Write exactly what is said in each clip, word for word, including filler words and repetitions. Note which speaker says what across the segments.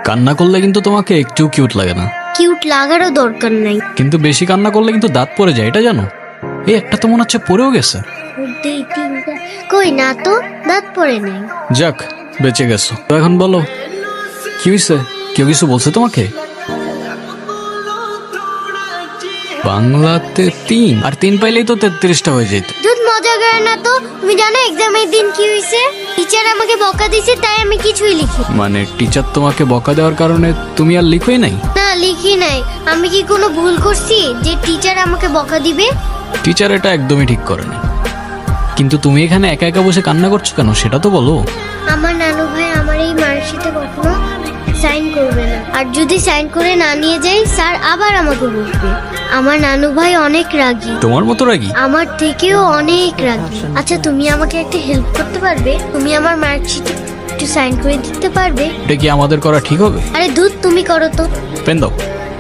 Speaker 1: কান্না করলে কিন্তু তোমাকে একটু কিউট লাগে না।
Speaker 2: কিউট লাগারও দরকার নাই।
Speaker 1: কিন্তু বেশি কান্না করলে কিন্তু দাঁত পড়ে যায়, এটা জানো? এই একটা তো মনে হচ্ছে পড়েও গেছে।
Speaker 2: দুই তিনটা কই না তো, দাঁত পড়ে নাই।
Speaker 1: যাক, বেঁচে গেছো। তো এখন বলো কি হয়েছে? কেউ কিছু বলছে তোমাকে? বাংলাতে তিন আর তিন পাইলেই তো তেত্রিশটা হয়ে যেত।
Speaker 2: দুধ মজা করে না তো। তুমি জানো এক্সামের দিন কি হয়েছে? টিচার আমাকে বকা দিয়েছে, তাই আমি কিছুই লিখি।
Speaker 1: মানে টিচার তোমাকে বকা দেওয়ার কারণে তুমি আর লিখোই নাই?
Speaker 2: না, লিখি নাই। আমি কি কোনো ভুল করছি যে টিচার আমাকে বকা দিবে?
Speaker 1: টিচার এটা একদমই ঠিক করেনি। কিন্তু তুমি এখানে একা একা বসে কান্না করছো কেন সেটা তো বলো।
Speaker 2: আমার নানু ভাই আমার এই মার্কশিটে কখনো সাইন করবে না, আর যদি সাইন করে না নিয়ে যাই স্যার আবার আমাকে বকবে। আমার নানু ভাই অনেক রাগী।
Speaker 1: তোমার মতো রাগী?
Speaker 2: আমার থেকেও অনেক রাগী। আচ্ছা, তুমি আমাকে একটা হেল্প করতে পারবে? তুমি আমার মার্কশিটে একটু সাইন করে দিতে পারবে?
Speaker 1: এটা কি আমাদের করা ঠিক হবে?
Speaker 2: আরে দুধ, তুমি করো তো।
Speaker 1: পেন দাও।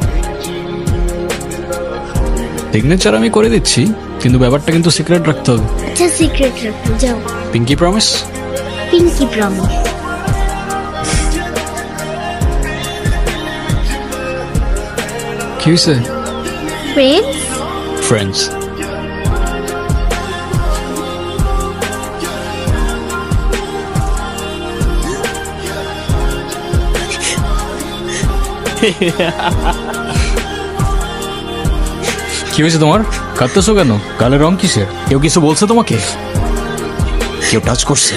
Speaker 1: সিগনেচার আমি করে দিচ্ছি, কিন্তু ব্যাপারটা কিন্তু সিক্রেট রাখতে হবে।
Speaker 2: আচ্ছা, সিক্রেট রাখো, যাও।
Speaker 1: Pinky promise?
Speaker 2: Pinky promise.
Speaker 1: কি হয়েছে?
Speaker 2: ফ্রেন্ডস।
Speaker 1: ফ্রেন্ডস। কি হয়েছে তোমার? কাঁদতেছো কেন? গালের রং কিসের? কেউ কিছু বলছে তোমাকে? কেউ টাচ করছে?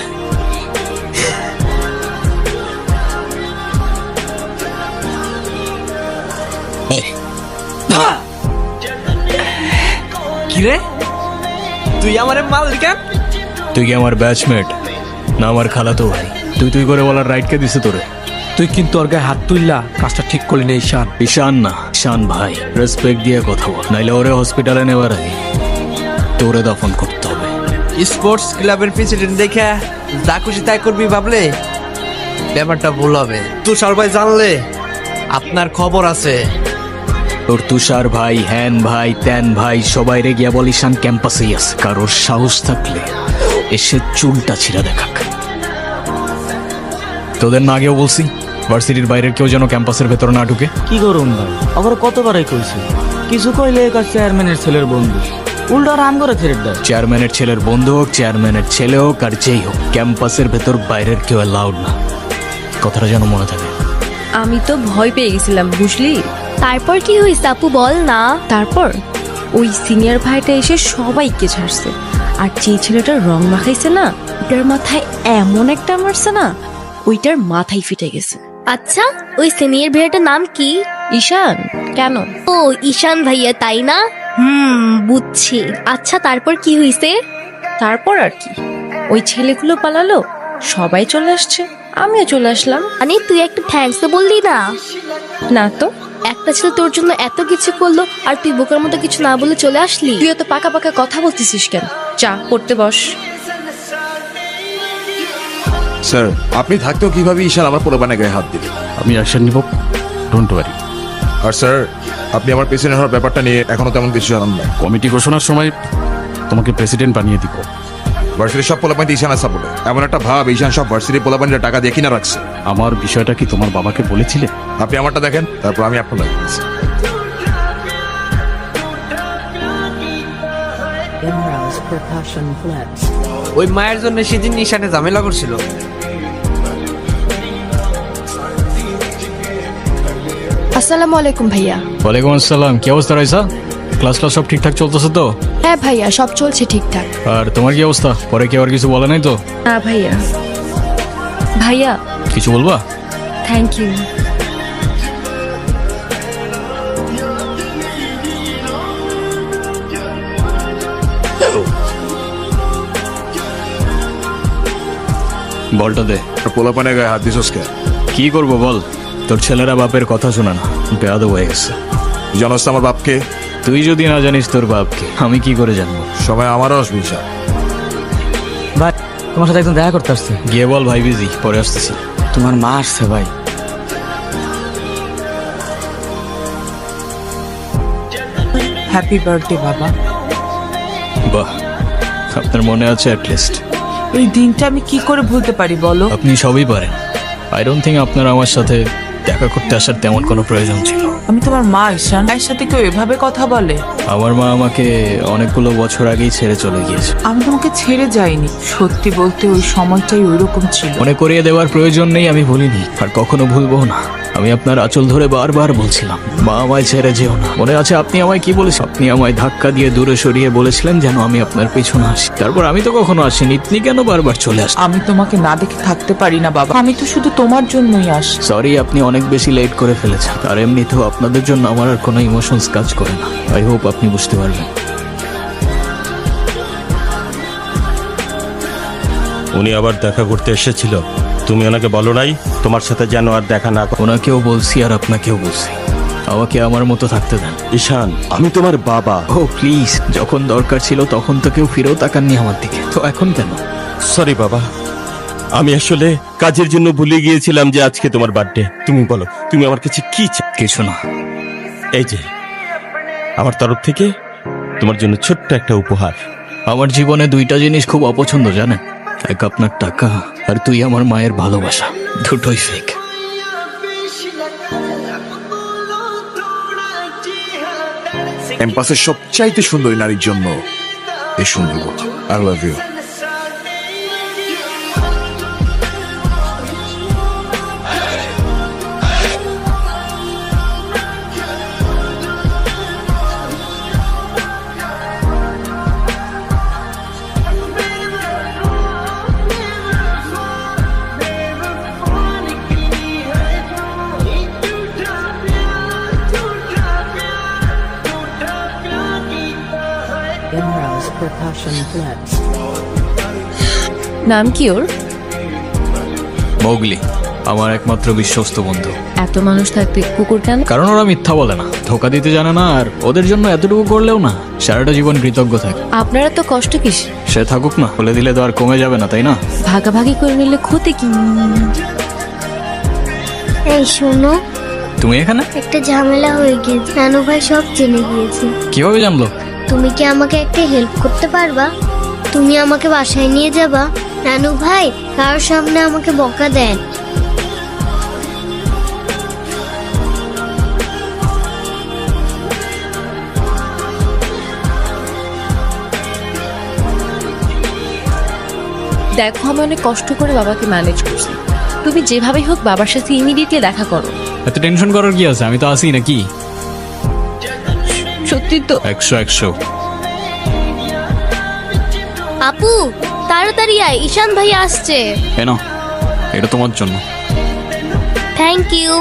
Speaker 3: কিরে, তুই আমার মাল কেন?
Speaker 1: তুই কি আমার ব্যাচমেট না আমার খালাতো ভাই? তুই তুই করে বলার রাইট কে দিছে তোরে?
Speaker 3: তুই কিন্তু ওর গায়ে হাত তুললা, কাজটা ঠিক করলি না ঈশান।
Speaker 1: ঈশান না, ঈশান ভাই। রেসপেক্ট দিয়ে কথা বল, নাইলে ওরে হসপিটালে নেবার আগে তোরে দফন করতে হবে।
Speaker 3: স্পোর্টস ক্লাবের প্রেসিডেন্ট দেখে যা খুশি তাই করবি ভাবলে ব্যাপারটা ভুল হবে। তুষার ভাই জানলে আপনার খবর আছে।
Speaker 1: তোর তুষার ভাই, হ্যান ভাই, ত্যান ভাই সবাই রে গিয়া বল ঈশান ক্যাম্পাসেই আছে। কারোর সাহস থাকলে এসে চুলটা ছিঁড়া দেখাক। তোদের না আগেও বলছি ভার্সিটির বাইরের কেউ যেন ক্যাম্পাসের ভেতর না ঢুকে।
Speaker 4: কি করুন ভাই, আবার কতবারই কইছি, কিছু কইলে কাজ চেয়ারম্যানের ছেলের বন্ধু, উল্টা রাম করে ছেড়ে দেয়।
Speaker 1: চেয়ারম্যানের ছেলের বন্ধু হোক, চেয়ারম্যানের ছেলে হোক, আর যেই হোক, ক্যাম্পাসের ভেতর বাইরের কেউ অ্যালাউড না। কথাটা যেন মনে থাকে।
Speaker 5: আমি তো ভয় পেয়ে গেছিলাম, বুঝলি?
Speaker 6: তারপর কি হয়েছে আপু, বল না।
Speaker 5: তারপর ওই সিনিয়র ভাইটা এসে সবাইকে ছাড়ছে, আর যে ছেলেটার রং মাখাইছে না, ওটার মাথায় এমন একটা মারছে না, ওইটার মাথায় ফিটে গেছে।
Speaker 6: আচ্ছা, ওই সিনিয়র ভাইয়াটার নাম কি?
Speaker 5: ঈশান। কেন?
Speaker 6: ও ঈশান ভাইয়া, তাই না? হুম, বুঝছি। আচ্ছা, তারপর কি হয়েছে?
Speaker 5: তারপর আর কি, ওই ছেলেগুলো পালালো, সবাই চলে আসছে, আমিও চলে আসলাম।
Speaker 6: মানে তুই একটা থ্যাঙ্কস তো বললি না?
Speaker 5: না তো।
Speaker 6: একটা ছেলে তোর জন্য এত কিছু করলো, আর তুই বোকার মতো কিছু না বলে চলে আসলি।
Speaker 5: তুই এত পাকা পাকা কথা বলতেছিস কেন? চা পড়তে বস।
Speaker 7: স্যার, আপনি থাকতেও কিভাবে ঈশান আমার পোলাপানের গায়ে হাত দিলেন?
Speaker 8: আমি অ্যাকশন নিব, ডোন্ট ওয়ারি।
Speaker 7: আর স্যার, আপনি আমার প্রেসিডেন্ট হওয়ার ব্যাপারটা নিয়ে এখনো তেমন কিছু জানান না।
Speaker 8: কমিটি ঘোষণার সময় তোমাকে প্রেসিডেন্ট বানিয়ে দিব।
Speaker 7: ভার্সিটির সব পোলাপানি ঈশানের সাপোর্টে। এমন একটা ভাব ঈশান সব ভার্সিটির পোলাপানিরা টাকা দিয়ে কিনা রাখছে।
Speaker 8: আমার বিষয়টা কি তোমার বাবাকে বলেছিলে?
Speaker 7: আপনি আমারটা দেখেন, তারপর আমি আপনার দেখছি।
Speaker 3: ওই মায়ের জন্য সেদিন ঈশানে ঝামেলা করছিল।
Speaker 9: আসসালামু আলাইকুম ভাইয়া।
Speaker 1: ওয়ালাইকুম আসসালাম। কি অবস্থা রয়েছে? ক্লাস ক্লাস সব ঠিকঠাক চলতেছে তো?
Speaker 9: হ্যাঁ ভাইয়া, সব চলছে ঠিকঠাক।
Speaker 1: আর তোমার কি অবস্থা? পরে কেউ আর কিছু বলে নাই তো?
Speaker 5: না ভাইয়া। ভাইয়া
Speaker 1: কিছু বলবা?
Speaker 5: Thank you.
Speaker 1: বলটা দে।
Speaker 7: পোলাপানের গায়ে হাত দিছস কে?
Speaker 1: কি করবো বল, তোর ছেলেরা বাপের কথা শোনা না, বেয়াদব হয়ে গেছে।
Speaker 7: জানোস তো আমার বাপকে?
Speaker 1: তুই যদি না জানিস তোর বাপকে, আমি কি করে জানবো?
Speaker 7: সময় আমারও আসবে ঈশান।
Speaker 4: ভাই, তোমার সাথে একদম দেখা করতে আসছে।
Speaker 1: গিয়ে বল ভাই বিজি, পরে আসতেছি।
Speaker 4: তোমার মা আসছে ভাই। হ্যাপি বার্থডে বাবা।
Speaker 1: বাহ, আপনার মনে আছে অ্যাটলিস্ট।
Speaker 9: এই দিনটা আমি কি করে ভুলতে পারি বলো?
Speaker 1: আপনি সবই পারেন। আই ডোন্ট থিঙ্ক আপনার আমার সাথে দেখা করতে আসার তেমন কোনো প্রয়োজন ছিল।
Speaker 10: আমি তোমার মা ঈশান, মায়ের সাথে কেউ এভাবে কথা বলে?
Speaker 1: আমার মা আমাকে অনেকগুলো বছর আগেই ছেড়ে চলে গিয়েছে।
Speaker 10: আমি তোমাকে ছেড়ে যাইনি, সত্যি বলতে ওই সময়টাই ওইরকম ছিল।
Speaker 1: মনে করিয়ে দেওয়ার প্রয়োজন নেই, আমি ভুলিনি আর কখনো ভুলবো না। আমি আপনার আঁচল ধরে বারবার বলছিলাম, মা আমায় ছেড়ে যেও না। মনে আছে আপনি আমায় কি বলেছেন? আপনি আমায় ধাক্কা দিয়ে দূরে সরিয়ে বলেছিলেন যেন আমি আপনার পেছনে আসি। তারপর আমি তো কখনো আসিনি, আপনি কেন বারবার চলে আসেন?
Speaker 10: আমি তোমাকে না দেখে থাকতে পারি না বাবা, আমি তো শুধু তোমার জন্যই আসি।
Speaker 1: সরি, আপনি অনেক বেশি লেট করে ফেলেছেন। আর এমনিতেও আপনাদের জন্য আমার আর কোনো ইমোশনস কাজ করে না। আই হোপ আপনি বুঝতে পারবেন।
Speaker 11: উনি আবার দেখা করতে এসেছিল, তুমি ওনাকে বলো নাই তোমার সাথে যেন আর দেখা না করে?
Speaker 1: ওনাকেও বলছি আর আপনাকেও বলছি, আমাকে আমার মতো থাকতে দেন।
Speaker 11: ঈশান, আমি তোমার বাবা।
Speaker 1: ও প্লিজ, যখন দরকার ছিল তখন তো কেউ ফিরেও তাকাননি আমার দিকে, তো এখন কেন?
Speaker 11: সরি বাবা, আমি আসলে কাজের জন্য ভুলে গিয়েছিলাম যে আজকে তোমার বার্থডে। তুমি বলো, তুমি আমার কাছে কি চাও?
Speaker 1: কিছু না,
Speaker 11: এই যে আমার তরফ থেকে তোমার জন্য ছোট্ট একটা উপহার।
Speaker 1: আমার জীবনে দুইটা জিনিস খুব অপছন্দ জানেন, এক আপনার টাকা আর তুই আমার মায়ের ভালোবাসা, দুটোই ফেক।
Speaker 7: ক্যাম্পাসের সবচাইতে সুন্দরী নারীর জন্য এই সুন্দর আই লাভ ইউ।
Speaker 5: নাম কি ওর?
Speaker 1: মৌগলি, আমার একমাত্র বিশ্বস্ত বন্ধু।
Speaker 5: এত মানুষ থাকতে কুকুর কেন?
Speaker 1: কারণ ওরা মিথ্যা বলে না, ধোকা দিতে জানে না, আর ওদের জন্য এতটুকু করলেও না সারাটা জীবন কৃতজ্ঞ থাকে।
Speaker 5: আপনারা তো কষ্ট কিস?
Speaker 1: সে থাকুক না, বলে দিলে তো আর কমে যাবে না, তাই না?
Speaker 5: ভাগাভাগি করে নিলে ক্ষতি কি?
Speaker 2: এই শোনো,
Speaker 1: তুমি এখানে?
Speaker 2: একটা ঝামেলা হয়ে গিয়েছে, নানু ভাই সব জেনে গিয়েছে।
Speaker 1: কিভাবে জানলো?
Speaker 2: তুমি কি আমাকে একটা হেল্প করতে পারবা? তুমি আমাকে বাসায় নিয়ে যাবা? নানু ভাই কারোর সামনে আমাকে বকা দেন।
Speaker 5: দেখো, আমি অনেক কষ্ট করে বাবাকে ম্যানেজ করছি। তুমি যেভাবেই হোক বাবার সাথে ইমিডিয়েটলি দেখা করো।
Speaker 1: এত টেনশন করার কি আছে? আমি তো আসি নাকি।
Speaker 5: সত্যি তো?
Speaker 1: একশো একশো।
Speaker 6: আপু তাড়াতাড়ি আয়, ঈশান ভাই আসছে।
Speaker 1: এ নাও, এটা তোমার জন্য।
Speaker 6: Thank you.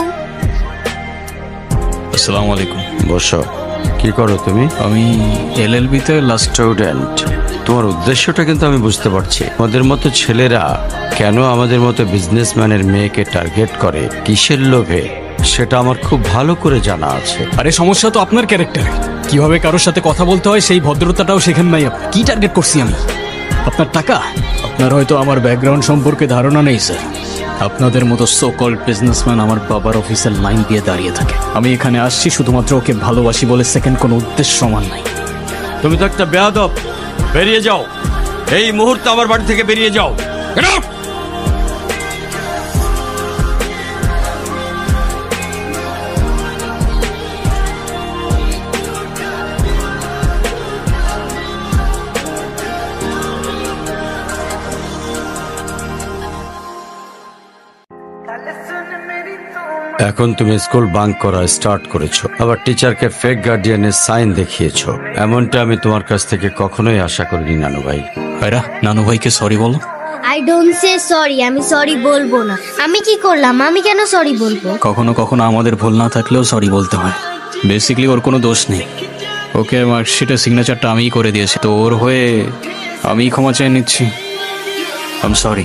Speaker 1: আসসালামু আলাইকুম।
Speaker 11: বসো। কি করো তুমি?
Speaker 1: আমি এলএলবি তে লাস্ট।
Speaker 11: স্টুডেন্ট, তোমার উদ্দেশ্যটা কিন্তু আমি বুঝতে পারছি। ওদের মতো ছেলেরা কেন আমাদের মতো বিজনেসম্যানের মেয়েকে টার্গেট করে, কিসের লোভে, সেটা আমার খুব ভালো করে জানা আছে।
Speaker 1: আরে সমস্যা তো আপনার ক্যারেক্টার, কিভাবে কারোর সাথে কথা বলতে হয় সেই ভদ্রতাটাও শেখেন নাই আপনি। কি টার্গেট করছি আমি? আপনার টাকা? আপনার হয়তো আমার ব্যাকগ্রাউন্ড সম্পর্কে ধারণা নেই স্যার। আপনাদের মতো সো কল্ড বিজনেসম্যান আমার বাবার অফিসের লাইন দিয়ে দাঁড়িয়ে থাকে। আমি এখানে আসছি শুধুমাত্র ওকে ভালোবাসি বলে, সেকেন্ড কোনো উদ্দেশ্য সমান নাই।
Speaker 11: তুমি তো একটা বেয়াদব, বেরিয়ে যাও এই মুহূর্তে, আমার বাড়ি থেকে বেরিয়ে যাও। Get out! এখন তুমি স্কুল বাঙ্ক করা স্টার্ট করেছো, আবার টিচারকে ফেক গার্ডিয়ানের সাইন দেখিয়েছো। এমনটা আমি তোমার কাছ থেকে কখনোই আশা করিনি নানু ভাই।
Speaker 1: ভাইরা, নানু ভাইকে সরি বলো।
Speaker 2: আই ডোন্ট সে সরি, আমি সরি বলবো না। আমি কি করলাম? আমি কেন সরি বলবো?
Speaker 1: কখনো কখনো আমাদের ভুল না থাকলেও সরি বলতে হয়। বেসিক্যালি ওর কোনো দোষ নেই, ওকে মার্কশিটের সিগনেচারটা আমিই করে দিয়েছি, তো ওর হয়ে আমিই ক্ষমা চেয়ে নিচ্ছি। I am sorry.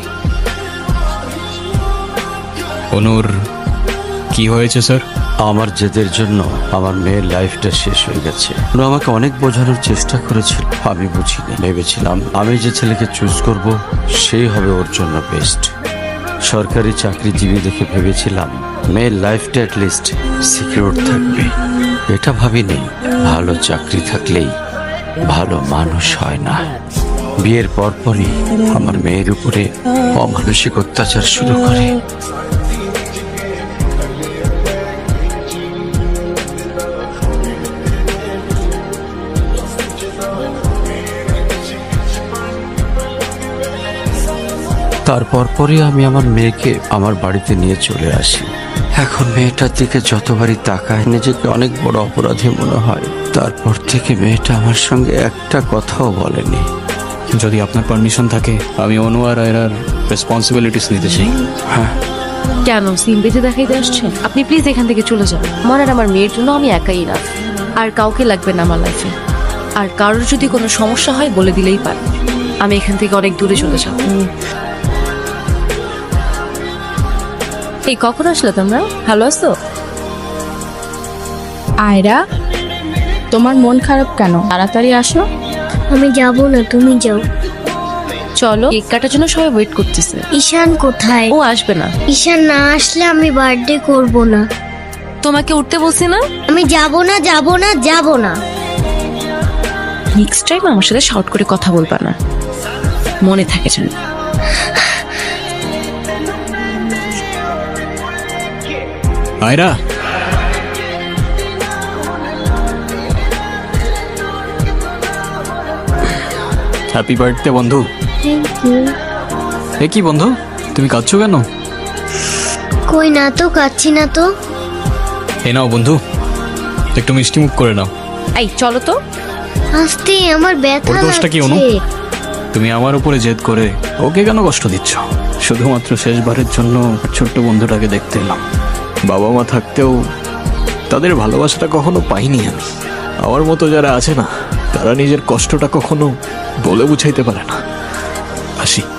Speaker 1: অনুর কি হয়েছে স্যার?
Speaker 11: আমার জেদের জন্য আমার মেয়ের লাইফটা শেষ হয়ে গেছে। ওরা আমাকে অনেক বোঝানোর চেষ্টা করেছিল, আমি বুঝিনি। ভেবেছিলাম আমি যে ছেলেকে চুজ করব সেই হবে ওর জন্য বেস্ট। সরকারি চাকরিজীবী দেখে ভেবেছিলাম মেয়ের লাইফটা অ্যাটলিস্ট সিকিউর থাকবে। এটা ভাবিনি ভালো চাকরি থাকলেই ভালো মানুষ হয় না। বিয়ের পরপরই আমার মেয়ের উপরে অমানসিক অত্যাচার শুরু করে। আর পরপরই আমি আমার মেয়েকে আমার বাড়িতে নিয়ে চলে আসি। এখন মেয়েটার দিকে যতবারই তাকায় নিজেকে অনেক বড় অপরাধী মনে হয়। তারপর থেকে মেয়েটা আমার সঙ্গে একটা কথাও বলেনি।
Speaker 1: যদি আপনার পারমিশন থাকে আমি অনু আর আয়রার রেসপন্সিবিলিটিস নিতে চাই।
Speaker 11: হ্যাঁ,
Speaker 5: কেন সিম বেঁধে দেখাইতে আসছেন? আপনি প্লিজ এখান থেকে চলে যান। আমার আর আমার মেয়ের জন্য আমি একাই না, আর কাউকে লাগবে না আমার লাইফে। আর কারোর যদি কোনো সমস্যা হয় বলে দিলেই পারে। আমি এখান থেকে অনেক দূরে চলে যাব। এই কখন আসলে তোমরা? ভালো আছো?
Speaker 9: আয়রা, তোমার মন খারাপ কেন? তাড়াতাড়ি আসো।
Speaker 2: আমি যাব না, তুমি যাও।
Speaker 5: চলো, কেক কাটার জন্য সবাই ওয়েট করতেছে।
Speaker 2: ঈশান কোথায়?
Speaker 5: ও আসবে না।
Speaker 2: ঈশান না আসলে আমি বার্থডে করব না।
Speaker 5: তোমাকে উঠতে বলছি না?
Speaker 2: আমি যাব না, যাব না, যাব না।
Speaker 5: নেক্সট টাইম আমার সাথে শর্ট করে কথা বলবা না, মনে থাকে যেন।
Speaker 1: আয়রা, হ্যাপি বার্থডে বন্ধু।
Speaker 2: Thank you.
Speaker 1: এ কি বন্ধু, তুমি কাঁদছো কেন?
Speaker 2: কই না তো, কাচ্ছি না তো।
Speaker 1: এ নাও বন্ধু, একটু মিষ্টি মুখ করে নাও।
Speaker 5: এই চলো তো।
Speaker 2: আস্তে, আমার ব্যথা
Speaker 1: ওর দোষটা কি অনু?
Speaker 2: লাগছে।
Speaker 1: তুমি আমার উপরে জেদ করে ওকে কেন কষ্ট দিচ্ছ? শুধুমাত্র শেষবারের জন্য ছোট্ট বন্ধুটাকে দেখতে এলাম। বাবা মা থাকতেও তাদের ভালোবাসাটা কখনো পাইনি আমি। আমার মতো যারা আছে না, তারা নিজের কষ্টটা কখনো বলে বুঝাইতে পারে না। আসি।